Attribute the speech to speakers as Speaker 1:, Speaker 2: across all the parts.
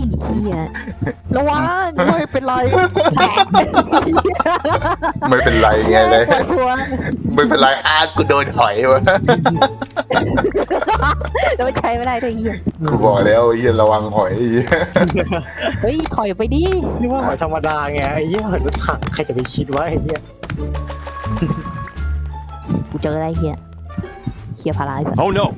Speaker 1: เหี้ยระวังไม่เป็นไรแตก
Speaker 2: ไม่เป็นไรไงเลย
Speaker 1: ปวดหัว
Speaker 2: ไม่เป็นไรกูโดนหอยวะ
Speaker 1: จะไม่ใช้ไม่ได้ด้วยเหี้ย
Speaker 2: กูบอกแล้วไอ้เหี้ยระวังหอย
Speaker 1: เฮ้ยถอยไปดิ
Speaker 3: นี่ว่าหอยธรรมดาไงไอ้เหี้ยหอยรถถังใครจะไปคิดว่าไอ้เหี้ย
Speaker 1: กูเจออะไรเหี้ยเหี้ยพาราไอ้สัส
Speaker 4: Oh no!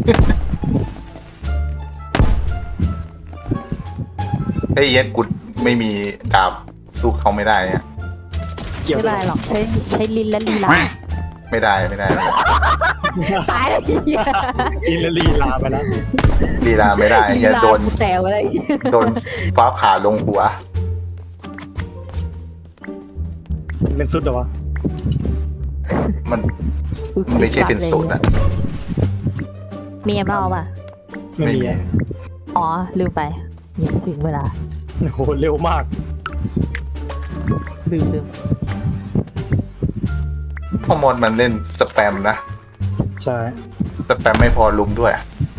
Speaker 2: ไอ้เหี้ยกูไม่มีดาบสู้เขาไม่ได้เนี่ย
Speaker 3: เกี่ยว
Speaker 1: ไม่ได้หรอกใช้ลิ้นและลีลา
Speaker 2: ไม่ได้
Speaker 1: ตายแล้วเหี้ย
Speaker 3: อินลีลาไปแล้ว
Speaker 2: ลีลาไม่ได้
Speaker 1: ลี
Speaker 2: อย่า
Speaker 1: ลา
Speaker 2: โดน
Speaker 1: กูแตกไปเลย
Speaker 2: โดนฟ้าผ่าลงหัว
Speaker 3: เป็นสุดเหรอวะ
Speaker 2: มันไม่ใช่เป็นสูตรอะ
Speaker 1: มีเอ็มเล่าป่ะ
Speaker 3: ไม่มีอะ
Speaker 1: อ๋อลืมไปเนี่ยถึงเวลา
Speaker 3: โอ้โหเร็วมาก
Speaker 1: ลืม
Speaker 2: พ่อมดมันเล่นสแปมนะ
Speaker 3: ใช่
Speaker 2: สแปมไม่พอลุมด้วย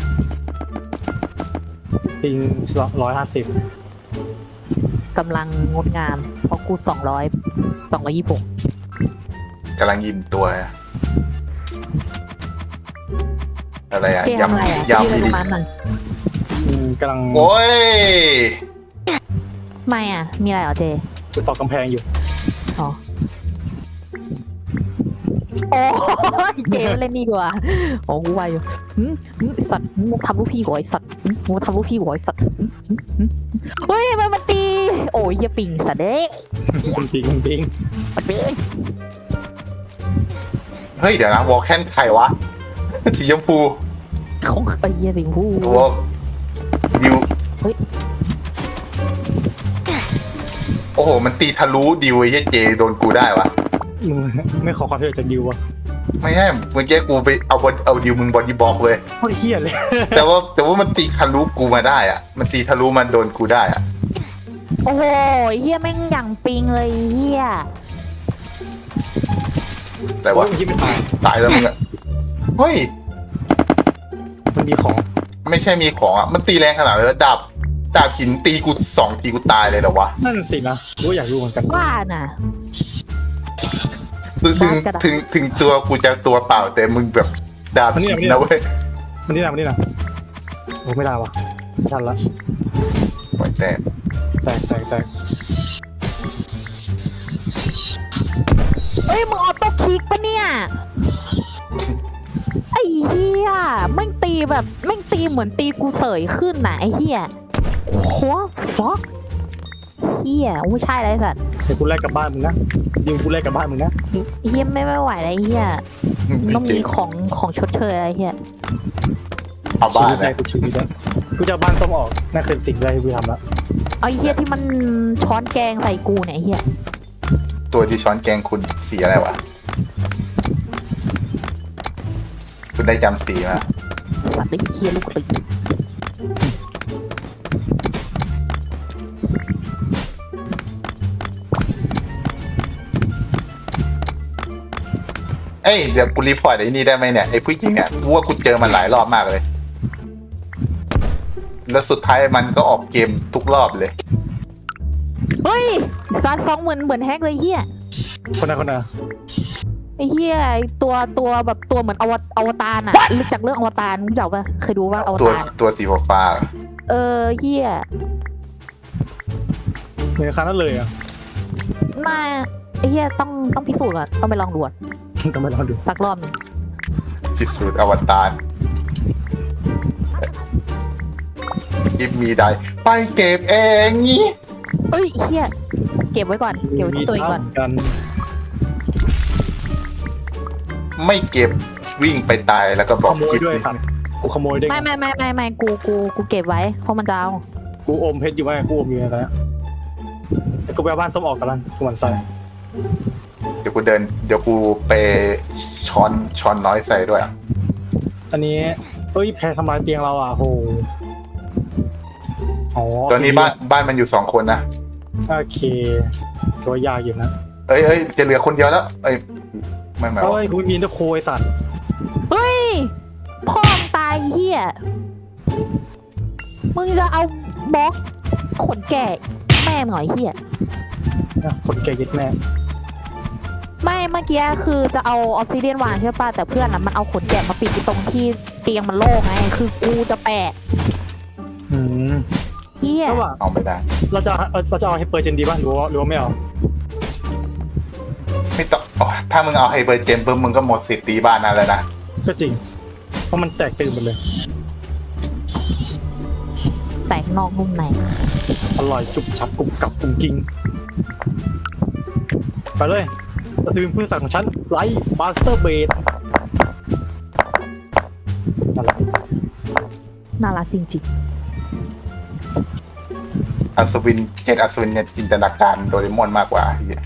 Speaker 3: ปิง150
Speaker 1: กำลังงดงามเพราะกู226
Speaker 2: กำลังยิ้มตัวอะอะไรอะ
Speaker 1: เจ๊ทำอะไรอ่ะ
Speaker 2: ยำ
Speaker 1: พี่
Speaker 2: ดี
Speaker 1: ประมาณนั้น
Speaker 3: กำลัง
Speaker 2: โอ้ย
Speaker 1: ไม่อ่ะ มีอะไรเหรอเจ
Speaker 3: จะต่อกำแพงอยู่
Speaker 1: อ๋อโอ้ยเจมาเล่นนี่ดีกว่าโอ้กูวายอยู่ไอ้สัตว์มึงทำลูกพี่กูไอ้สัตว์มึงทำลูกพี่กูไอ้สัตว์เฮ้ยมันตี โอ้ยอย่าปิงสัตว์เด้
Speaker 3: ปิง
Speaker 1: มันปิง
Speaker 2: เฮ้ยเดี๋ยวนะวอลแคนใครวะ สีชมพู
Speaker 1: ของไอ้เหี้ยสิงห์ผู้
Speaker 2: ตัวดิว
Speaker 1: เฮ้ย
Speaker 2: โอ้โห มันตีทะลุดิวไอ้เหี้ยเจโดนกูได้วะ
Speaker 3: มึงไม่ขอความช่วยเหลือจากดิววะ
Speaker 2: ไม่ใช่เมื่อกี้กูไปเอาดิวมึงบอดี้บล็อกเลย
Speaker 3: โคตรเฮี้ยเลย
Speaker 2: แต่ว่ามันตีทะลุกูมาได้อะมันตีทะลุมันโดนกูได้อะ
Speaker 1: โอ้โหเหี้ยแม่งอย่างปิงเลยเหี้ย
Speaker 2: แต่ว่า
Speaker 3: โอ้ยมันคิดไม่ตาย
Speaker 2: ตายแล้วมึงอะเฮ้ย
Speaker 3: มันมีของ
Speaker 2: ไม่ใช่มีของอะมันตีแรงขนาดเลยดาบหินตีกู2 ทีกูตายเลยเหรอวะ
Speaker 3: นั่นสินะกูก็อยากรู้เหมือนกัน
Speaker 1: ว่าน่ะ
Speaker 2: ถึง
Speaker 1: บ้ากระดาษ
Speaker 2: ถึงตัวกูจะตัวเปล่าแต่มึงแบบดาบหินนะเว้ย
Speaker 3: มันนี่นะโอ้ไม่ได้วะไม่ทันละ
Speaker 2: โอ้ยแต่
Speaker 3: แตก
Speaker 1: เอ้ยมึงออโต้คลิกปะเนี่ยไอ้เหี้ยแม่งตีแบบแม่งตีเหมือนตีกูเสยขึ้นน่ะไอ้เหี้ยโคตรฟอกเหี้ยไม่ใช่ไรสัตว์
Speaker 3: เดี๋ยวกูแลกกลับบ้านมึงนะดิวกูแลกกลับบ้านมึงนะ
Speaker 1: ไอ้เหี้ยไม่ไหวแล้วไอ้เหี้ยต้อง
Speaker 2: จริ
Speaker 1: มี
Speaker 2: ง
Speaker 1: ของชดเชยอะไรเหี้ย
Speaker 2: เอา
Speaker 3: ชี
Speaker 2: บ้าน
Speaker 3: วิตแร
Speaker 2: นะ
Speaker 3: กกูชีวิตแล้วกูจะเอาบ้านส้มออกนั่นคือสิ่งแรกที่กูทำละ
Speaker 1: เอาไอ้เหี้ยที่มันช้อนแกงใส่กูเนี่ยไอ้เหี้ย
Speaker 2: ตัวที่ช้อนแกงคุณสีอะไรวะคุณได้จำสีมา
Speaker 1: สัตว์ไอ้เหี้ยลูกติ
Speaker 2: เอ้ยเดี๋ยวกูรีพอร์ตไอ้นี่ได้ไหมเนี่ยไอ้ผู้หญิงเนี่ยกูว่ากูเจอมันหลายรอบมากเลย แล้วสุดท้ายมันก็ออกเกมทุกรอบเลย
Speaker 1: เฮ้ยซัดฟ้องเหมือนแฮกเลยเหี้ย
Speaker 3: คนน่ะ
Speaker 1: ไอ้เหี้ยไอ้ตัวแบบตัวเหมือนอวตารน่ะรู้จักเรื่องอวตารรู้จักปะเคยดูว่าอว
Speaker 2: ตัว
Speaker 1: ตาร
Speaker 2: ตัวสีฟ้า
Speaker 1: เหี้ย
Speaker 3: เหมือนครั้งนั้นเลยอ่ะ
Speaker 1: มาไอ้เหี้ยต้องพิสูจน์ก่อนต้องไปลองดูอะ
Speaker 3: ต้องไปลองดู
Speaker 1: สักรอบหนึง
Speaker 2: พิสูจน์อวตารกิฟมีได้ไปเก็บเองงี้
Speaker 1: เอ้ยเหี้ยเก็บไว้ก่อนเก็บไว้ที่ตัวเองก่อน
Speaker 3: กัน
Speaker 2: ไม่เก็บวิ่งไปตายแล้วก็บ
Speaker 3: ข
Speaker 2: อก
Speaker 3: โมย
Speaker 2: กิฟ
Speaker 3: ด้วยสัตว์กูขโมยด้วย
Speaker 1: ไม่กูเก็บไว้เพราะมันจะเอา
Speaker 3: กูอมเพชรอยู่ไว้กูอมอยู่ในนั้นแล้วกูไปเอาบ้านส้มออกกันแล้วกูหมันใส่
Speaker 2: เดี๋ยวกูไปช้อนน้อยใส่ด้วย
Speaker 3: อันนี้เอ้ยแพรทำลายเตียงเราอ่ะโหอ๋อ
Speaker 2: ตอนนี้บ้านมันอยู่2 คนนะ
Speaker 3: โอเคตัวยากอยู่นะ
Speaker 2: เอ้ยจะเหลือคนเดียวแล้วเอ้ยไม่หมาย
Speaker 3: เฮ้
Speaker 2: ว่าย
Speaker 3: กูมีนตะโคยสัตว์
Speaker 1: เฮ้ยพ่อมงตายเหี้ยมึงจะเอาบล็อกขนแก่แม่หน่อยเฮีย
Speaker 3: คนแก่ยึดแม่
Speaker 1: ไม่เมื่อกี้คือจะเอาออฟซิเดียนวางใช่ป่ะแต่เพื่อนอ่ะมันเอาขนแกะมาปิดที่ตรงที่เตียงมันโล่งไงคือกูจะแปะ
Speaker 3: อืม
Speaker 1: เฮีย
Speaker 3: ก็ว่า
Speaker 2: เอาไม่ได้
Speaker 3: เราจะเอาให้เปิดเจนดีบ้างหรือว่าไม่เอา
Speaker 2: ไม่ต้องอ๋อถ้ามึงเอาไฮเบอร์เจมปุ๊บมึงก็หมดสิทธิ์ตีบ้านนั่นแล้วนะ
Speaker 3: ก็จริงเพราะมันแตกตื่นหมดเลย
Speaker 1: แตกนอกนุ่มใน
Speaker 3: อร่อยจุบฉับกรุบกรับกรุบกิงไปเลยเราซื้อพืชสัตว์ของฉันไลท์มาสเตอร์เบดนั่นแหละ
Speaker 1: น่ารักจริง
Speaker 2: อัศวินอัศวินเนี่ยจินตนาการโดเรมอนมากกว่าเหี้ย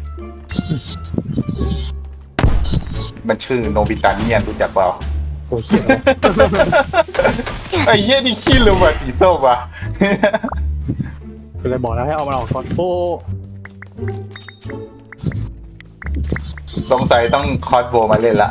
Speaker 2: มันชื่อโนบิตาเนียนรู้จักเปล่า
Speaker 3: โอ้ยเขียน
Speaker 2: ไอ้เหี้ยนี่ขี้ลืมว่ะสีส้มว่ะ
Speaker 3: คือเลยบอกแล้วให้เอามันออกก่อนโอ้
Speaker 2: สงสัยต้องคอสโบมาเล่นละ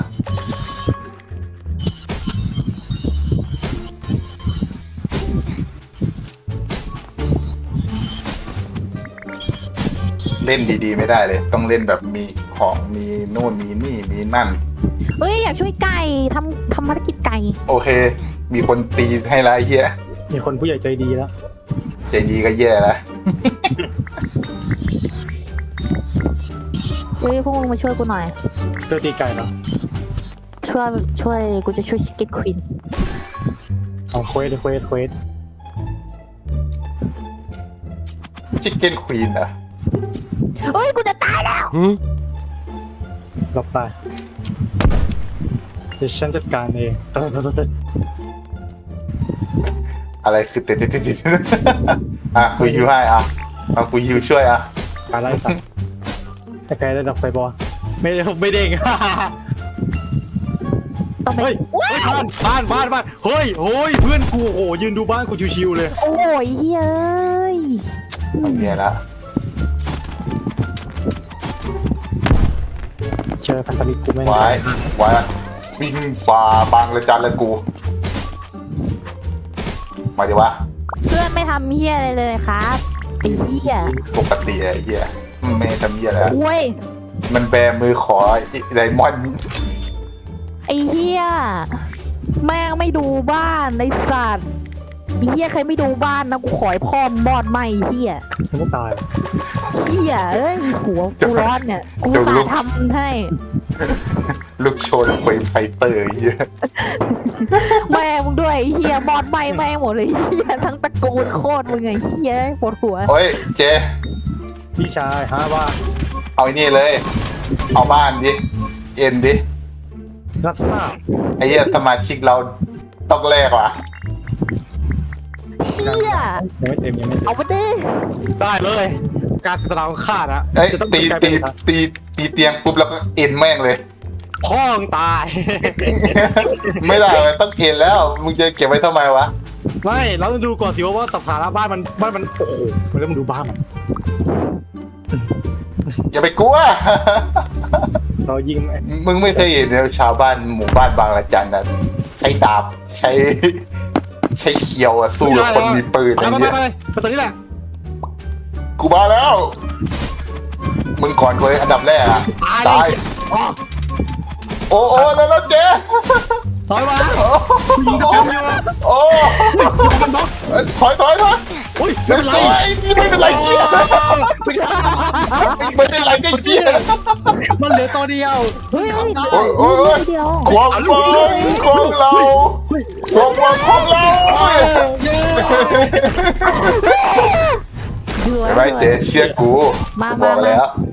Speaker 2: เล่นดีๆไม่ได้เลย ต้องเล่นแบบมีของมีนู่นมีนี่มีนั่น
Speaker 1: ๆเฮ้ยอยากช่วยไก่ทำภารกิจไก่
Speaker 2: โอเค มีคนตีให้ละไอ้เหี้ย
Speaker 3: มีคนผู้ใหญ่ใจดีแล้ว
Speaker 2: ใจดีก็แย่แล้ว
Speaker 1: เฮ้ยพวกมึงมาช่วยกูหน่อย
Speaker 3: เจอตีไก่เนาะ
Speaker 1: ช่วยกูจะช่วยชิคเก้นควีน
Speaker 3: เอาเควส
Speaker 2: ชิคเก้นควีนเหรอ
Speaker 1: เฮ้ยกูจะตายแล้ว
Speaker 3: หลบตายเดี๋ยวฉันจัดการเอง
Speaker 2: อะไรคือเต็ดอ่ะกูฮิวให้อ่ะเอากูฮิวช่วยอ่ะ
Speaker 3: การไล่สัตว์แต่ใครได้ดับไฟบอลไม่เด้ง
Speaker 1: ต้องไป
Speaker 3: เฮ้ย
Speaker 1: ว้า
Speaker 3: เฮ้ยว บ้านเฮ้ยเพื่อนกูโอ้โหยืนดูบ้านกูชิวๆเลย
Speaker 1: โอ้ยเฮ้ย
Speaker 2: เอาเมียละ
Speaker 3: เจอพันธมิตรกูไม่
Speaker 2: ไว้วิ่งฝ่าบางระจันเลยกู มาดิวะ
Speaker 1: เพื่อนไม่ทำเฮียอะไรเลยครับไอ้เฮีย
Speaker 2: ปกติไอ้เหี้ยไม่ทำเหี้ยแล้ว
Speaker 1: โอ้ย
Speaker 2: มันแบมือขอไดมอนด์
Speaker 1: ไอ้เฮียแม่งไม่ดูบ้านไอ้สัตว์ไอ้เฮียใครไม่ดูบ้านนะกูขอให้พ่อมบอดไหมเฮีย
Speaker 3: ฉันก็ตาย
Speaker 1: เฮียเอ้ยหัวกูร้อนเนี่ยกูตาทำให้
Speaker 2: ลูกโชนเฟยไฟเตอร์ไอ้เหี้ย
Speaker 1: แม่มึงด้วยไอ้เฮียบอดไหมแม่งหมดเลยเฮียทั้งตระกูลโคตรมึงไงเฮียปวดหัว
Speaker 2: โอ้ยเจ
Speaker 3: พี่ชายฮะว่า
Speaker 2: เอาไอ้นี่เลย เอาบ้านดิ เอ็นดิ
Speaker 3: รับทราบ
Speaker 2: ไอ้เหี้ยสมาชิกเราต้องแลกว่ะ
Speaker 1: เฮีย
Speaker 3: ยังไม่เต็ม
Speaker 1: เอาไปดิ
Speaker 3: ได้เลย การตราของข้านะ
Speaker 2: เอ้ย
Speaker 3: จะต้อง
Speaker 2: ตี
Speaker 3: กลายเป็
Speaker 2: ตี
Speaker 3: น
Speaker 2: ตีเตียงปุ๊บแล้วก็เอ็นแม่งเลย
Speaker 3: พ่อมึงตาย
Speaker 2: ไม่ได้มันต้องเอ็นแล้ว มึงจะเก็บไว้ทำไมวะ
Speaker 3: ไม่เราต้องดูก่อนสิว่าสภาพบ้านมันโอ้โหมันเริ่มดูบ้านมัน
Speaker 2: อย่าไปกลัว
Speaker 3: เรายิง
Speaker 2: มึงไม่เคยเห็นชาวบ้านหมู่บ้านบางระจันนะใช้ดาบใช้เขียวอะสู้กับคนมีปืน
Speaker 3: ไป
Speaker 2: อะไร
Speaker 3: ไป
Speaker 2: เงี้ย
Speaker 3: ไปตอนนี้แหละ
Speaker 2: กูมาแล้ว มึงก่อนกูเลยอันดับแรกอะตาย โอ้แล้วเจ๊
Speaker 3: ถอยมา
Speaker 2: โอ้
Speaker 3: ยิงกระเป๋าอยู่
Speaker 2: โอ้
Speaker 3: มันบล็อก
Speaker 2: ถอย
Speaker 3: โอ้ย
Speaker 2: ไม่
Speaker 3: ไม่
Speaker 2: เป็
Speaker 3: เป็น น
Speaker 2: ไร
Speaker 3: ไร
Speaker 2: ไม่เป็นไรเหี้ยไม่เป็นไรก็เหี้ย
Speaker 3: มันเหลือตัวเดียว
Speaker 1: เฮ้ย
Speaker 2: โอ้ย
Speaker 1: เดียว
Speaker 2: ความฝันของเราความฝันของเรา
Speaker 1: เบื่อ
Speaker 2: ไม่เจ๊เชื่อกู
Speaker 1: มา
Speaker 2: บอกแล้ว